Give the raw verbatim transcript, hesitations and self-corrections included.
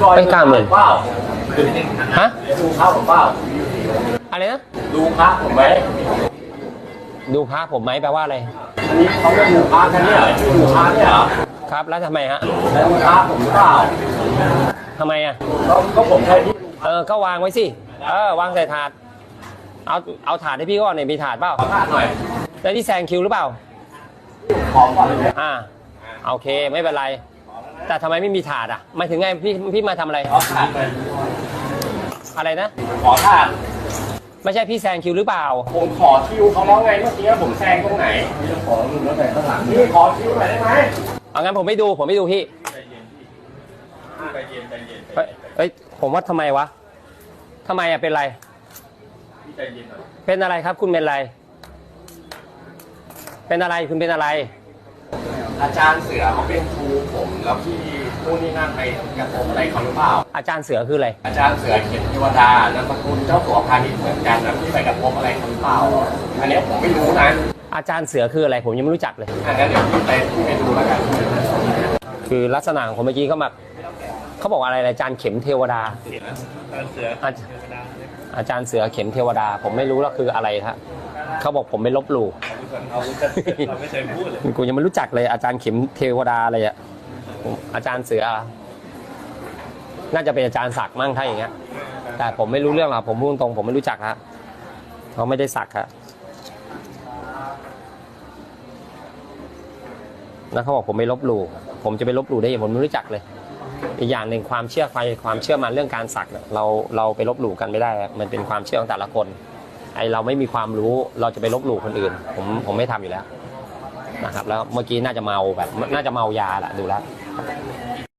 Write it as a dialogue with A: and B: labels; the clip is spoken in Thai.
A: เป็นเก้าหมื่น
B: เปล่า
A: ฮะ
B: ดูพระผมเปล่า
A: อะไรนะ
B: ดูพระผมไหม
A: ดูพระผมไหมแปลว่าอะไร
B: อันนี้เขาจะดูพระกันเนี่ยดูพระเนี่ยเหรอ
A: ครับแล้วทำไมฮะ
B: แล้วดูพระผมหรือเปล่า
A: ทำไมอ่ะ
B: ก็ผมใช้ที่
A: เออก็วางไว้สิเออวางใส่ถาดเอาเอาถาดให้พี่ก่อนเนี่ยมีถาดเปล่า
B: ถาดหน่อย
A: แล้วที่แซงคิวหรือเปล่า
B: ขอก่อนเลย
A: อ่าโอเคไม่เป็นไรแต่ทำไมไม่มีถาดอ่ะหมายถึงไงพี่พี่มาทำอะไร
B: ขอถาดเลย
A: อะไรนะ
B: ขอถาด
A: ไม่ใช่พี่แซงคิวหรือเปล่า
B: ผมขอคิวเขาแล้วไงเมื่อกี้ผมแซงตรงไหนขอหนึ่งแล้วแต่ข้างหลังนี่ขอคิวหน่อยได้ไหม
A: เอางั้นผมไม่ดูผมไม่ดูพี่
B: ใจเย็นใจเย็น
A: เอ้ยผมว่าทำไมวะทำไมอ่ะเป็นไร
B: พี่ใจเย็นหน่อย
A: เป็นอะไรครับคุณเป็นอะไรเป็นอะไรคุณเป็นอะไร
B: อาจารย์เสือเขาเป็นครูผมแล้วพี่นู่นนี่นั่นไปกระทบอะไรเขาหรือเปล่า
A: อาจารย์เสือคืออะไร
B: อาจารย์เสือเขียนเทวดานามสกุลเจ้าสัวพาณิชย์เหมือนกันนะพี่ไปกระทบอะไรเขาหรือเปล่าอันนี้ผมไม่รู้นะ
A: อาจารย์เสือคืออะไรผมยังไม่รู้จักเลย
B: อันนั้นเดี๋ยวพี่ไปพี่ไปดูแล้วกัน
A: คือลักษณะของคนเมื่อกี้เขามาเขาบอกอะไรอาจารย์เข็มเทวดา
B: อาจารย์เสือ
A: อาจารย์เสือเข็มเทวดาผมไม่รู้ว่าคืออะไรครับเขาบอกผมไม่ลบหลู่
B: เราไม่เคยพูดเลย
A: กูยังไม่รู้จักเลยอาจารย์เข็มเทวดาอะไรอ่ะอาจารย์เสือน่าจะเป็นอาจารย์ศักดิ์มั่งถ้าอย่างเงี้ยแต่ผมไม่รู้เรื่องหรอกผมพูดตรงผมไม่รู้จักฮะเขาไม่ได้ศักดิ์ครับแล้วเขาบอกผมไม่ลบหลู่ผมจะไปลบหลู่ได้ยังผมไม่รู้จักเลยอีกอย่างหนึ่งความเชื่อความความเชื่อมันเรื่องการสักเราเราไปลบหลู่กันไม่ได้มันเป็นความเชื่อของแต่ละคนไอเราไม่มีความรู้เราจะไปลบหลู่คนอื่นผมผมไม่ทำอยู่แล้วนะครับแล้วเมื่อกี้น่าจะเมาแบบน่าจะเมายาแหละดูแล้ว